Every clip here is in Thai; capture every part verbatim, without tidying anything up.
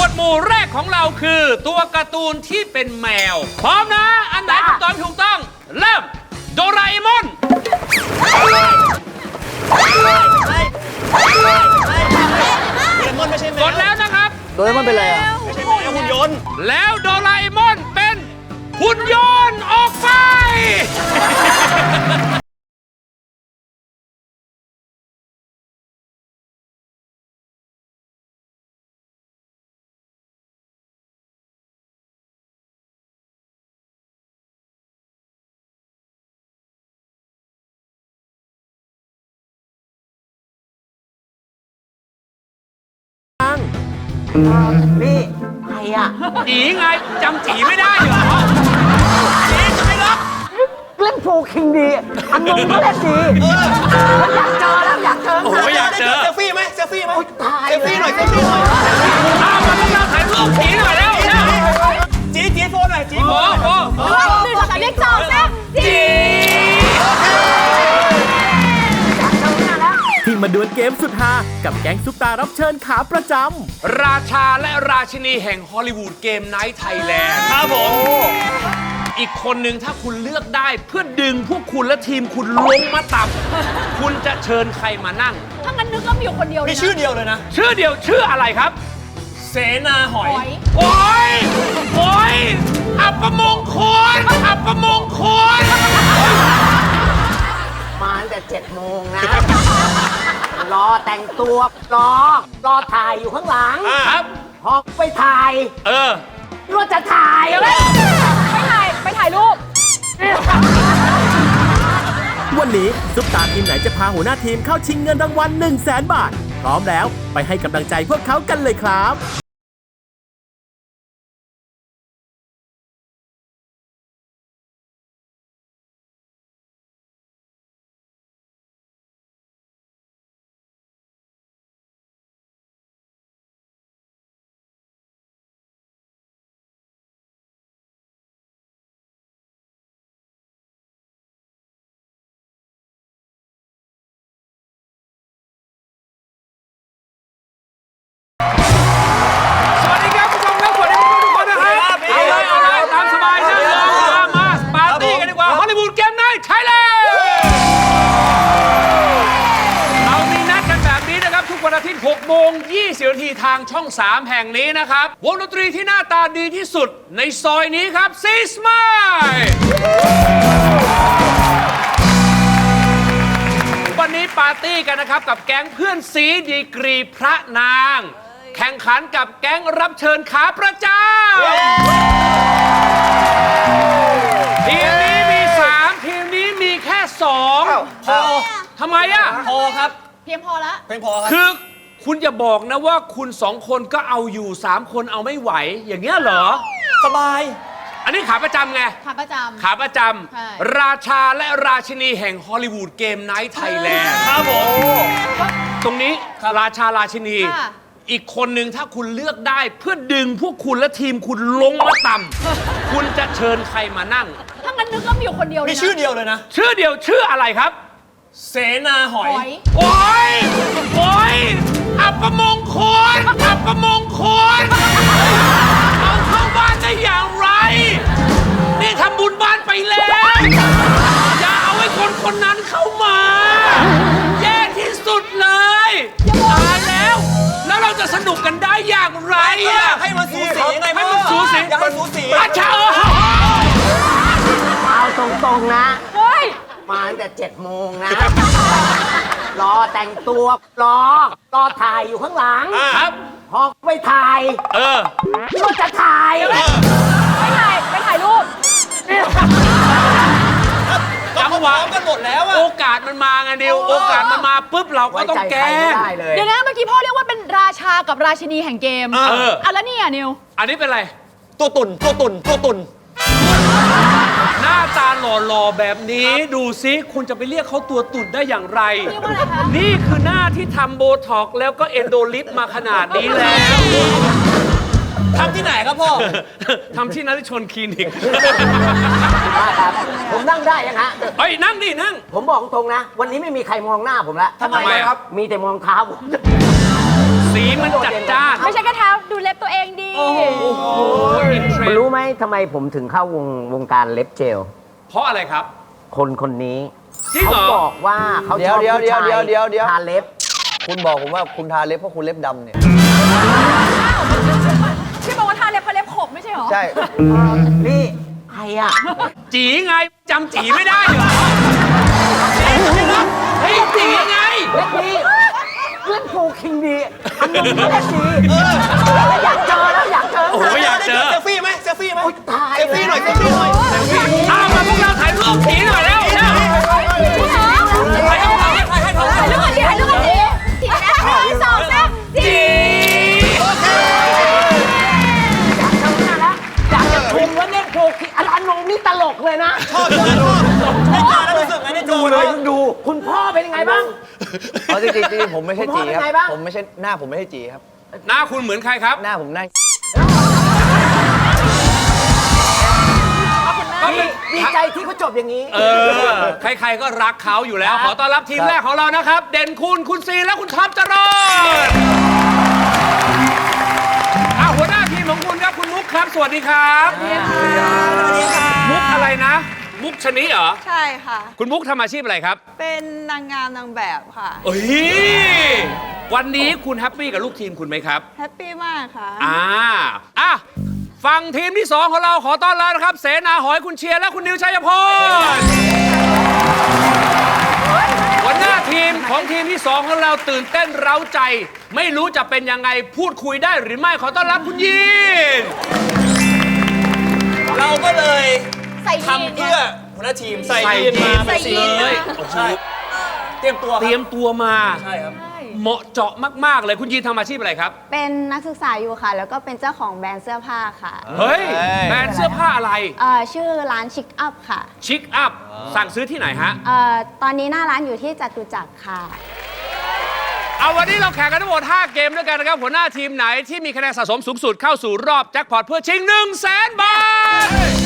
วดหมู่แรกของเราคือตัวการ์ตูนที่เป็นแมวพร้อมนะอันไหนคำตอบถูกต้องเริ่มโดราเอมอนกดแล้วนะครับโดเรมอนเป็นอะไรอ่ะไม่ใช่แมวหุ่นยนต์แล้วโดราเอมอนเป็นหุ่นยนต์ออกไปนี่ใครอ่ะจีไงจำจีไม่ได้เหรอจีใช่หรอเล่นโฟคิงดีอันนงก็เล่นดีอยากเจอแล้วอยากเจอโอ้ยอยากเจอเซลฟี่ไหมเซลฟี่ไหมตายเซลฟี่หน่อยเซลฟี่หน่อยเอามาพวกเราถ่ายรูปจีหน่อยแล้วจีจีโฟนหน่อยจีโฟโอ้นโหหนึ่งสองสามเลขสองสามจีที่มาดวลเกมสุดฮากับแก๊งซุปตารับเชิญขาประจำราชาและราชินีแห่งฮอลลีวูดเกมไนท์ไทยแลนด์ครับผมอีกคนหนึ่งถ้าคุณเลือกได้เพื่อดึงพวกคุณและทีมคุณลงมาต่ำคุณจะเชิญใครมานั่งถ้างั้นนึกก็มีอยู่คนเดียวเลยมีนะชื่อเดียวเลยนะชื่อเดียวชื่ออะไรครับเสนาหอยหอยโอ้ยโอ้ยอัปมงคลอัปมงคลมาตั้งแต่เจ็ดโมงนะ รอแต่งตัว รอ รอถ่ายอยู่ข้างหลังครับพอไปถ่ายเออก็จะถ่ายไปถ่ายไปถ่ายรูปวันนี้ซุปตาทีมไหนจะพาหัวหน้าทีมเข้าชิงเงินรางวัล1 0 0 0 0แสนบาท พร้อมแล้วไปให้กำลังใจพวกเขากันเลยครับสวัสดีครับผู้ชมครับสวัสดีทุกคนนะครับเอาเลยเอาเลยตามสบายนะมามาปาร์ตี้กันดีกว่าฮอลลีวูดเกมไนท์ไทยแลนด์เรามีนัดกันแบบนี้นะครับทุกวันอาทิตย์หกโมงยี่สิบนาทีทางช่องสามแห่งนี้นะครับวงดนตรีที่หน้าตาดีที่สุดในซอยนี้ครับซีสมายวันนี้ปาร์ตี้กันนะครับกับแก๊งเพื่อนซีดีกรีพระนางแข่งขันกับแก๊งรับเชิญขาประจำทีมนี้มีสามทีมนี้มีแค่สองพอทำไมอ่ะพอครับเพียงพอละเพียงพอครับคือคุณอย่าบอกนะว่าคุณสองคนก็เอาอยู่สามคนเอาไม่ไหว อย่างเงี้ยเหรอสบายอันนี้ขาประจำไงขาประจำขาประจใช่ำราชาและราชินีแห่งฮอลลีวูดเกมไนท์ไทยแลนด์ครับผมตรงนี้ราชาราชินีค่ะอีกคนหนึ่งถ้าคุณเลือกได้เพื่อดึงพวกคุณและทีมคุณลงมาต่ำคุณจะเชิญใครมานั่งถ้างั้นนึกก็มีอยู่คนเดียวเลยมีนะชื่อเดียวเลยนะชื่อเดียวชื่ออะไรครับเสนาหอยหอยโอ้ยโอ้ยอัปมงคลอัปมงคลเอาเข้าบ้านได้อย่างไร นี่ทำบุญบ้านไปแล้ว อย่าเอาไอ้คนคนนั้นเข้ามา แย่ที่สุดเลยตายแล้ว แล้วเราจะสนุกกันได้อย่างไรอะให้มันสูสีไงให้มันสูสีอยากให้สูสีอาชาเอาตรงๆนะเฮ้ยมาตั้งแต่เจ็ดโมงนะ รอแต่งตัว รอ รอถ่ายอยู่ข้างหลังครับพอไปถ่ายเออก็จะถ่ายไปถ่ายไปถ่ายรูปจังหวะพร้อมกันหมดแล้วอะโอกาสมันมาไงดิวโอกาสมันมาปุ๊บเราก็ไว้ต้องใจแกใครล้ไม่งได้เลยเดี๋ยวนะเมื่อกี้พ่อเรียกว่าเป็นราชากับราชินีแห่งเกมเอออ่ะแล้วนี่อ่ะนิวอันนี้เป็นอะไรตัวตุ่นตัวตุ่นตัวตุ่นหน้าตาหล่อๆแบบนี้ดูซิคุณจะไปเรียกเขาตัวตุ่นได้อย่างไรเรียกว่าอะไรคะนี่คือหน้าที่ทำโบท็อกซ์แล้วก็เอนโดลิฟมาขนาดนี้แล้วทำที่ไหนครับพ่อทำที่นฤชนคลินิกครับ ผมนั่งได้ยังฮะเฮ้ย นั่งดิ นั่งผมบอกตรงนะ วันนี้ไม่มีใครมองหน้าผมแล้วทำไมครับมีแต่มองเท้าผมสีมันจัดจ้านไม่ใช่แค่เท้าดูเล็บตัวเองเองดีคุณรู้ไหมทำไมผมถึงเข้าวงวงการเล็บเจลเพราะอะไรครับคนคนนี้จริงเหรอเขาบอกว่าเขาชอบเดี๋ยวผู้ชายเดี๋ยวเดี๋ยวเดี๋ยวทาเล็บคุณบอกผมว่าคุณทาเล็บเพราะคุณเล็บดำเนี่ยที่บอกว่าทาเล็บเพราะเล็บขบไม่ใช่เหรอใช่นี่ใครอ่ะจีไงจำจีไม่ได้เหรอเฮ้ยจีไงเล็บดีเล่นโฟคิงดีอันนนเล็บดีอยากเจอแล้วอยากเจอโอ้โหอยากเจอเซลฟี่ไหมเซลฟี่ไหมโอ๊ยตายเซลฟี่หน่อยเซลฟี่หน่อยเอามาพวกเราถ่ายรูปจีหน่อยแล้วเร็วถ่ายรูปกันดิถ่ายรูปกันดิถ่ายรูปกันดิทีนะหนึ่งสองสามจีอยากจะชมว่าเล่นโฟคิงอันอันนงนี่ตลกเลยนะชอบชอบชอบได้เจอแล้วรู้สึกไงได้ดูเลยดูคุณพ่อเป็นยังไงบ้างเอาจริงจริงผมไม่ใช่คุณพ่จีอเป็นคไงรับบ้างผมไม่ใช่หน้าผมไม่ใช่จีครับหน้าคุณเหมือนใครครับหน้าผมหน้าดีดีใจที่เขาจบอย่างนี้เออ ใครๆก็รักเขาอยู่แล้ว ขอต้อนรับทีมแรกของเรานะครับ เด่นคุณ คุณซีและคุณท็อปจรนอ่ะหัวหน้าทีมของคุณครับคุณมุกครับ สวัสดีครับสวัสดีค่ะมุกอะไรนะ มุกชนิเหรอใช่ค่ะคุณมุกทำอาชีพอะไรครับเป็นนางงามนางแบบค่ะเอ้ยวันนี้คุณแฮปปี้กับลูกทีมคุณไหมครับแฮปปี้มากค่ะอ่าอ่ะฝั่งทีมที่สองของเราขอต้อนรับนะครับ เสนาหอยคุณเชียร์และคุณนิวชัยพลหัวหน้าทีมของทีมที่สองของเราตื่นเต้นเร้าใจ ไม่รู้จะเป็นยังไงพูดคุยได้หรือไม่ขอต้อนรับคุณยีนเราก็เลยใส่ยีนทำเพื่อหัวหน้าทีมใส่ใส่ยีนมายีนเป็นสีเลยใช่เตรียมตัวเตรียมตัวมาใช่ครับเหมาะเจาะมากๆเลยคุณยีนทำอาชีพอะไรครับเป็นนักศึกษาอยู่ค่ะ แล้วก็เป็นเจ้าของแบรนด์เสื้อผ้าค่ะเฮ้ยเฮ้ยแบรนด์เสื้อผ้าอะไรเอ่อชื่อร้านชิคอัพค่ะชิคอัพสั่งซื้อที่ไหนฮะเอ่อตอนนี้หน้าร้านอยู่ที่จตุจักรค่ะเอาวันนี้เราแข่งกันทั้งหมดห้าเกมด้วยกันนะครับหัวหน้าทีมไหนที่มีคะแนนสะสมสูงสุดเข้าสู่รอบแจ็คพอตเพื่อชิง หนึ่งแสน บาท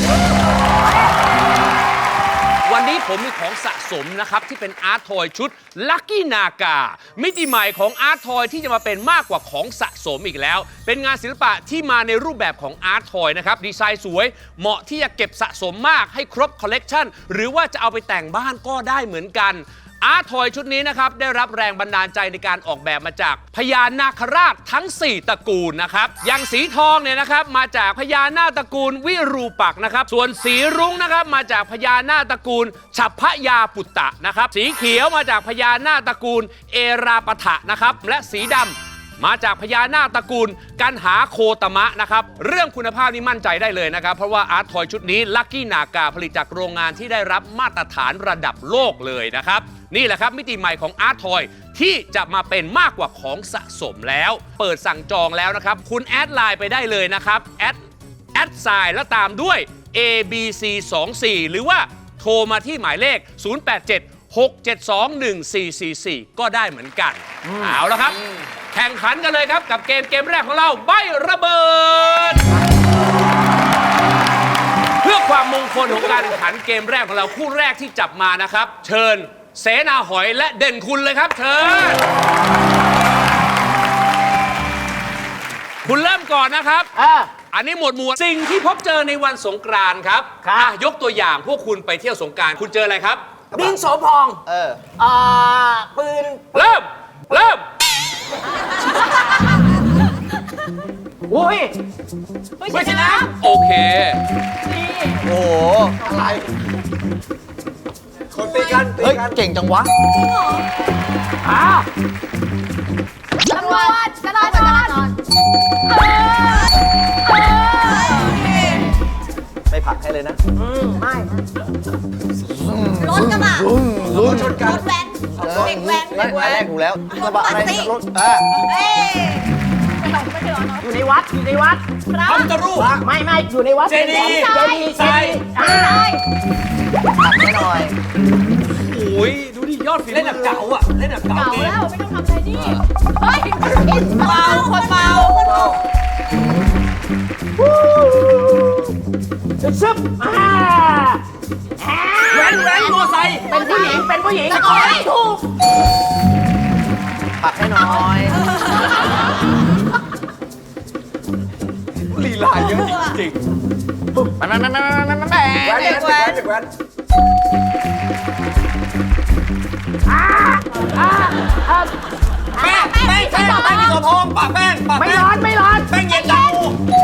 วันนี้ผมมีของสะสมนะครับ ที่เป็นอาร์ตทอยชุด Lucky Naga มิติใหม่ของอาร์ตทอยที่จะมาเป็นมากกว่าของสะสมอีกแล้ว เป็นงานศิลปะที่มาในรูปแบบของอาร์ตทอยนะครับดีไซน์สวยเหมาะที่จะเก็บสะสมมากให้ครบคอลเลกชันหรือว่าจะเอาไปแต่งบ้านก็ได้เหมือนกัน อาร์ตทอยชุดนี้นะครับได้รับแรงบันดาลใจในการออกแบบมาจากพญานาคราชทั้ง สี่ ตระกูลนะครับอย่างสีทองเนี่ยนะครับมาจากพญานาคตระกูลวิรูปักษ์นะครับส่วนสีรุ้งนะครับมาจากพญานาคตระกูลฉัพพยาปุตตะนะครับสีเขียวมาจากพญานาคตระกูลเอราปถะนะครับและสีดำมาจากพญานาคตระกูลกันหาโคตมะนะครับเรื่องคุณภาพนี่มั่นใจได้เลยนะครับเพราะว่าอาร์ตทอยชุดนี้ลัคกี้นากาผลิตจากโรงงานที่ได้รับมาตรฐานระดับโลกเลยนะครับนี่แหละครับมิติใหม่ของอาร์ตทอยที่จะมาเป็นมากกว่าของสะสมแล้วเปิดสั่งจองแล้วนะครับคุณแอดไลน์ไปได้เลยนะครับแอดแอดไซน์แล้วตามด้วย เอ บี ซี สองสี่ หรือว่าโทรมาที่หมายเลข ศูนย์ แปด เจ็ด หก เจ็ด สอง หนึ่ง สี่ สี่ สี่ ก็ได้เหมือนกันเอาละครับแข่งขันกันเลยครับกับเกมเกมแรกของเราใบระเบิด เพื่อความมงคลของการแข่งขันเกมแรกของเราคู่แรกที่จับมานะครับ เชิญเสนาหอยและเด่นคุณเลยครับเชิญคุณเริ่มก่อนนะครับเอออันนี้หมวดหมู่สิ่งที่พบเจอในวันสงกรานต์ครับครับอ่ะยกตัวอย่างพวกคุณไปเที่ยวสงกรานต์คุณเจออะไรครับดินโสพองเออเอ่อปืนเริ่มเริ่มอุ้ยไม่ใช่น้โอเคโอ้โหอะไรคนตีกันเฮ้ยเก่งจังวะอ้าวำตำรวจจราจรไม่ผลักให้เลยนะอืมไม่รถกระบะลุ้นชนกันรถแว้นเด็กแว้นไม่อันแรกถูกแล้วกระบะอะไรรถเออเอ้ยอยู่ในวัดอยู่ในวัดพระพุทธรูปไม่ไม่อยู่ในวัดเจดีย์เจดีย์ทรายอ่าผลักให้หน่อยโอ้ยดูดิยอดฝีมือเล่นแบบเก่าอ่ะเล่นแบบเก่าเก่าเกมแล้วไม่ต้องทำอะไรนี่เฮ้ยเมาคนเมาซึบอ่าแว้นแว้นมอไซค์เป็นผู้หญิงเป็นผู้หญิงโอ้ยถูกผลักให้หน่อยลาเยอะจริงๆมันมันมันมันมันมันแว้นเด็กแว้นเด็กแว้นแป้งแป้งแป้งแป้งกินตัวทองปากแป้งปากไม่แป้งร้อนไม่ร้อนแป้งเย็นจัง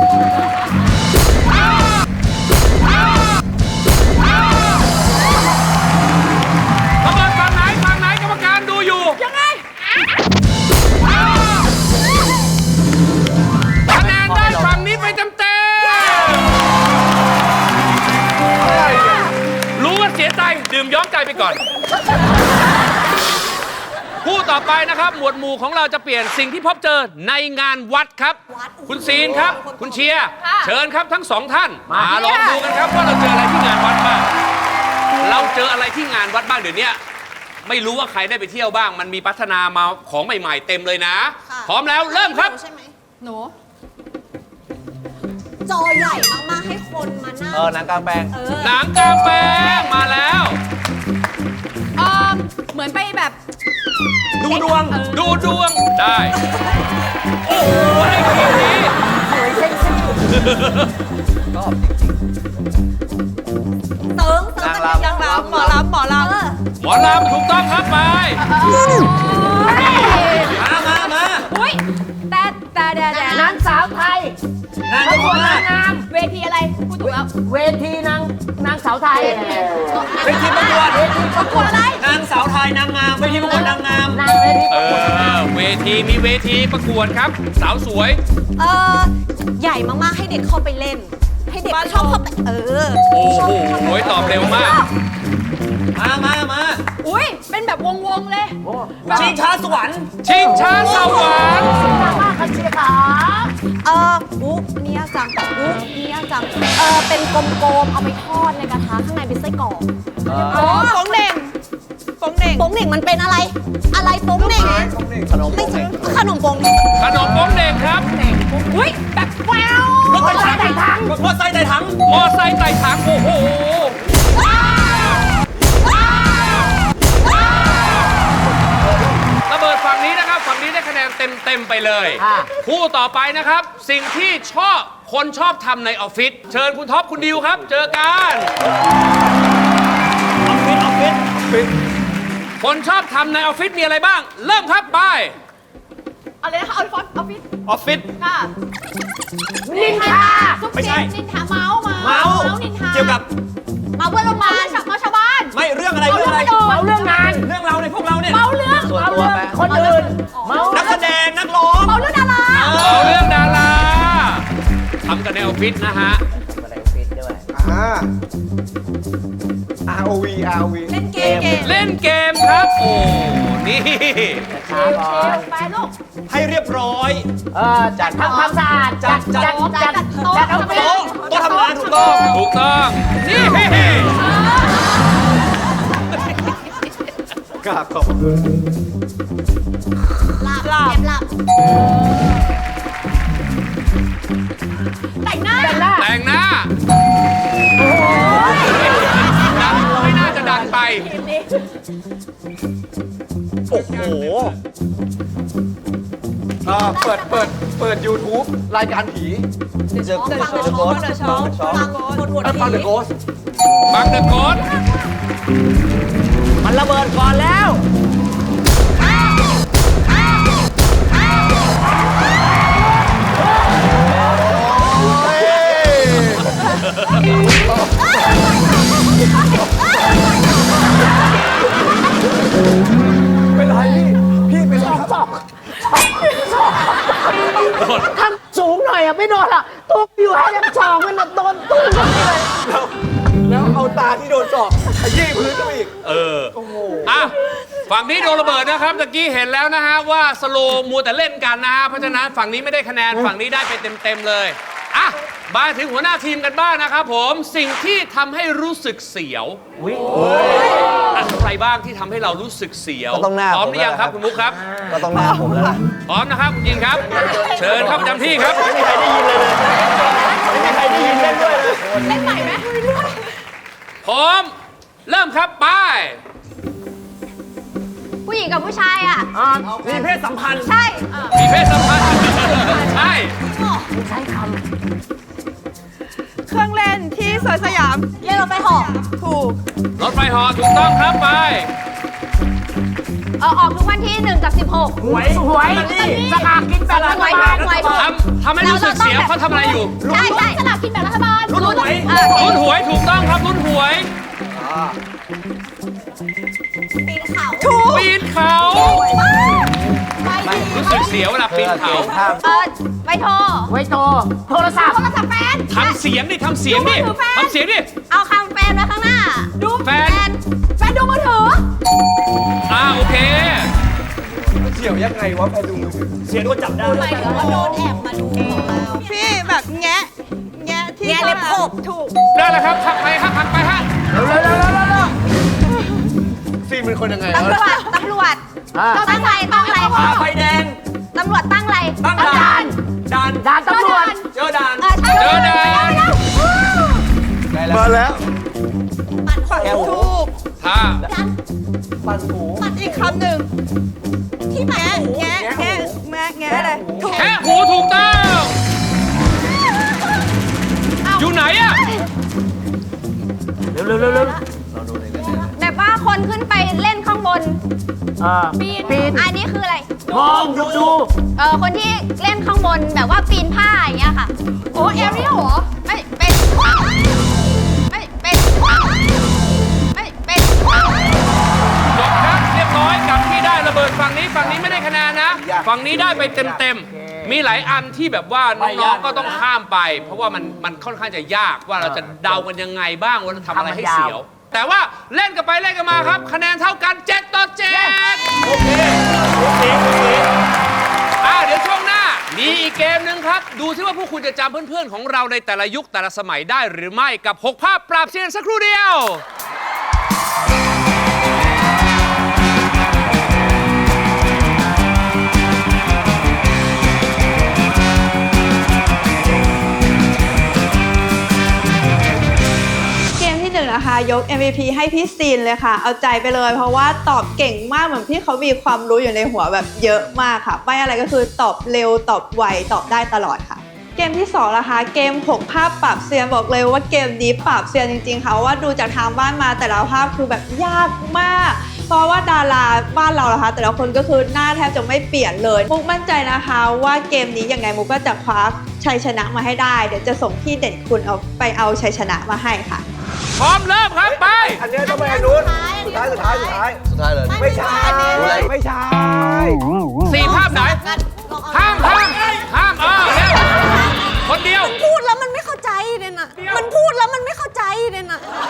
ระเบิดฝั่งไหนฝั่งไหนกรรมการดูอยู่ยังไงคะแนนได้ฝั่งนี้ไปเต็มเต็มรู้ว่าเสียใจดื่มย้อมใจไปก่อนคู่ต่อไปนะครับ หมวดหมู่ของเราจะเปลี่ยนสิ่งที่พบเจอในงานวัดครับ คุณซีนครับ คุณเชียร์เชิญครับทั้งสองท่านมาลองดูกันครับว่าเราเจออะไรที่งานวัดบ้างเราเจออะไรที่งานวัดบ้างเดี๋ยวนี้ไม่รู้ว่าใครได้ไปเที่ยวบ้าง มันมีพัฒนามาของใหม่ๆเต็มเลยนะ พร้อมแล้วเริ่มครับใช่ไหมหนูจอใหญ่มากๆให้คนมานั่งเออหนังกลางแปลงเออหนังกลางแปลงมาแล้วเออเหมือนไปแบบดูดวง ดูดวงได้ โอ้โหไอ้ทีนี้เติงเติงนางรำนางรำหมอรำหมอรำหมอลำถูกต้องครับไป มามามาอุ้ยแต่แต่แต่แต่นางสาวไทยนางประกวดมานางงามเวทีอะไรพูดถูกแล้วเวทีนางนางสาวไทยเวทีประกวดประกวดอะไรนางสาวไทยนางงามเวทีประกวดนางงามนางเวทีเออ เวทีมีเวทีประกวดครับ สาวสวยเออใหญ่มากๆให้เด็กเข้าไปเล่น ให้เด็กชอบเข้าไปเออโอ้โหตอบเร็วมาก มามามาอุ้ยเป็นแบบวงๆเลยชิงช้าสวรรค์ ชิงช้าสวรรค์นางมากคันเชียร์ขาเอออุ๊นี่ยากจังอุ๊นี่ยากจังเออเป็นกลมๆเอาไปทอดในกระทะข้างในเป็นไส้กรอกอ๋อโป้งเด่งโป้งเด่งโป้งเหน่งมันเป็นอะไร อะไรโป้งเหน่งขนมไม่ใช่ขนมโป้งเหน่งขนมโป้งเด็กครับอุ้ยแบบแววรถไฟไต่ถังมอไซค์ไต่ถังมอไซค์ไต่ถัง โอ้โห ระเบิดฝั่งนี้นะครับ ฝั่งนี้ได้คะแนนเต็มเต็มๆไปเลย คู่ต่อไปนะครับ สิ่งที่ชอบคนชอบทำในออฟฟิศ เชิญคุณท็อปคุณดิวครับ เจอกัน ออฟฟิศ ออฟฟิศ คนชอบทำในออฟฟิศมีอะไรบ้าง เริ่มครับไปอะไรนะคะเอาฟอนออฟฟิศออฟฟิศค่ะนินทาซุปไม่เสีใช่ยงนินทาเมาส์เมาส์นินทาเกี่ยวกับเมาเพื่อนโรงพยาบาลเมาชาวบ้านไม่เรื่องอะไรเมาเรื่องเรื่ออะไรงประโยชน์เมาเรื่องงานเรื่องเราในยพวกเราเนี่ยเมาเรื่องส่วนเมาตัวเรื่องแปลงคนอื่นเมานักแสดงนักร้องเมาเรื่องดาราเอาเรื่องดาราทำกันในออฟฟิศนะฮะอะไรฟิตด้วยอ่า อาร์ โอ วี อาร์ โอ วีเล่นเกมเล่นเกมครับ โอ้ นี่ช้าก่อนไปลูกให้เรียบร้อยเออจัดทำความสะอาดจัดจัดจัดจัดเอาไปโต๊ะโต๊ะทำงานถูกต้อง ถูกต้อง นี่กราบขอบคุณหลับหลับหลับแต่งหน้าแต่งหน้าดังไม่น่าจะดังไปโอ้โหอ่าเปิด เปิด เปิด YouTube รายการผีเจอฟังเดอะช็อคฟังเดอะช็อคฟังคนหมดฟังเดอะโกสบังเดอะโกดมันระเบิดก่อนแล้วเป็นไรพี่ พี่เป็นไรครับทำสูงหน่อยอ่ะไม่โดนอ่ะตัวอยู่ให้ยังสองมันโดนตุ้มกันเลยแล้วแล้วเอาตาที่โดนเจาะขยี้พื้นเข้าไปอีกเออ อ่ะ ฝั่งนี้โดนระเบิดนะครับตะกี้เห็นแล้วนะฮะว่าสโลว์มัวแต่เล่นกันนะฮะ เพราะฉะนั้นฝั่งนี้ไม่ได้คะแนน ฝั่งนี้ได้ไปเต็มๆเลย อ่ะ มาถึงหัวหน้าทีมกันบ้างนะครับผม สิ่งที่ทำให้รู้สึกเสียวอะไรบ้างที่ทำให้เรารู้สึกเสียวก็ต้องหน้าพร้อมหรือยังครับผมคุณมุกครับก็ต้องหน้าผมแล้วล่ะพร้อมนะครับคุณยินครับ เชิญครับประจำที่ครับไม่มีใครได้ยินเลยเลยไม่มีใครได้ยินเล่นด้วยเลยเล่นใหม่ไหมพร้อม เริ่มครับไปผู้หญิงกับผู้ชายอ่ะมีเพศสัมพันธ์ใช่มีเพศสัมพันธ์ ใช่ใช้คเครื่องเล่นที่สวนสยามเล่นรถไฟเหาะถูกรถไฟเหาะถูกต้องครับไปเออออกทุกวันที่หนึ่งกับสิบหกำหวยหวยสลากกินแบ่งรัฐบาลหวยทำทำให้รู้สึกเสียเขาทำอะไรอยู่ใช่ใช่สลากกินแบ่งรัฐบาลลุ้นหวยเออลุ้นหวยถูกต้องครับลุ้นหวยปีนเขาถูกปีนเขา รู้สึกเสียเวลาปีนเขาเออไปโทรไว้โตโทรศัพท์โทรศัพท์แฟนทำเสียงดิทำเสียงดิดูมือถือแฟนทำเสียงดิเอาคำแฟนไว้ข้างหน้า ดูแฟนแฟนดูมือถืออ่าโอเคเสี่ยวยังไงวะแฟนดูมือถือเสียงก็จับได้หมายถึงว่าโดนแอบมาดูของเราพี่แบบแงะ แงะที่แงะเล็บขบถูกได้แล้วครับขับไปฮะขับไปฮะซีนเป็นคนยังไงตำรวจ ตำรวจอ่าตั้งไรตั้งไรไฟแดงตำรวจตั้งไรตั้งด่าน ด่านด่านตำรวจเจอด่านเออใช่เจอด่านมาแล้วถูกถ้าปันหูปัดอีกคำหนึ่งที่แงะแงะแงะแงะแงะอะไรถูกแค่หูถูกต้อง อยู่ไหนอะเร็วเร็วเร็วเร็วแบบว่าคนขึ้นไปเล่นข้างบนอ่าปีนปีนอันนี้คืออะไรมองดูดูเออคนที่เล่นข้างบนแบบว่าปีนผ้าอย่างเงี้ยค่ะ โอ้แอรียลเหรอ ไม่เป็น ไม่เป็น ไม่เป็นจบครับเรียบร้อยกับที่ได้ระเบิดฝั่งนี้ฝั่งนี้ไม่ได้คะแนนนะ ฝั่งนี้ได้ไปเต็มๆ มีหลายอันที่แบบว่าน้องๆก็ต้องข้ามไป เพราะว่ามันมันค่อนข้างจะยากว่าเราจะเดากันยังไงบ้างว่าเราทำอะไรให้เสียว แต่ว่าเล่นกันไปเล่นกันมาครับ คะแนนเท่ากันเจ็ดต่อเจ็ดโอเคโอเคโอเคอ่าเดี๋ยวช่วงหน้ามีอีกเกมหนึ่งครับ ดูซิว่าพวกคุณจะจำเพื่อนๆของเราในแต่ละยุคแต่ละสมัยได้หรือไม่กับหกภาพปราบเซียนสักครู่เดียวเกมที่หนึ่งนะคะยก เอ็ม วี พี ให้พี่ซีนเลยค่ะ เอาใจไปเลย เพราะว่าตอบเก่งมากเหมือนพี่เขามีความรู้อยู่ในหัวแบบเยอะมากค่ะไม่อะไรก็คือตอบเร็วตอบไวตอบได้ตลอดค่ะ เกมที่สองนะคะเกมหกภาพปรับเซียนบอกเลยว่าเกมนี้ปรับเซียนจริงๆค่ะว่าดูจากทางบ้านมาแต่ละภาพคือแบบยากมาก เพราะว่าดาราบ้านเรานะคะแต่ละคนก็คือหน้าแทบจะไม่เปลี่ยนเลยมุกมั่นใจนะคะว่าเกมนี้ยังไงมุกก็จะคว้าชัยชนะมาให้ได้เดี๋ยวจะส่งพี่เด่นคุณเอาไปเอาชัยชนะมาให้ค่ะพร้อมเริ่มครับไปอันนี้ต้องไปอันนู้นสุดท้ายสุดท้ายสุดท้ายสุดท้ายเลยไม่ใช่ไม่ใช่สี่ภาพไหน ห้ามห้ามห้ามเออเร็วคนเดียวพูดแล้วมันไม่เข้าใจเนี่ยนะมันพูดแล้วมันไม่เข้าใจเนี่ยนะ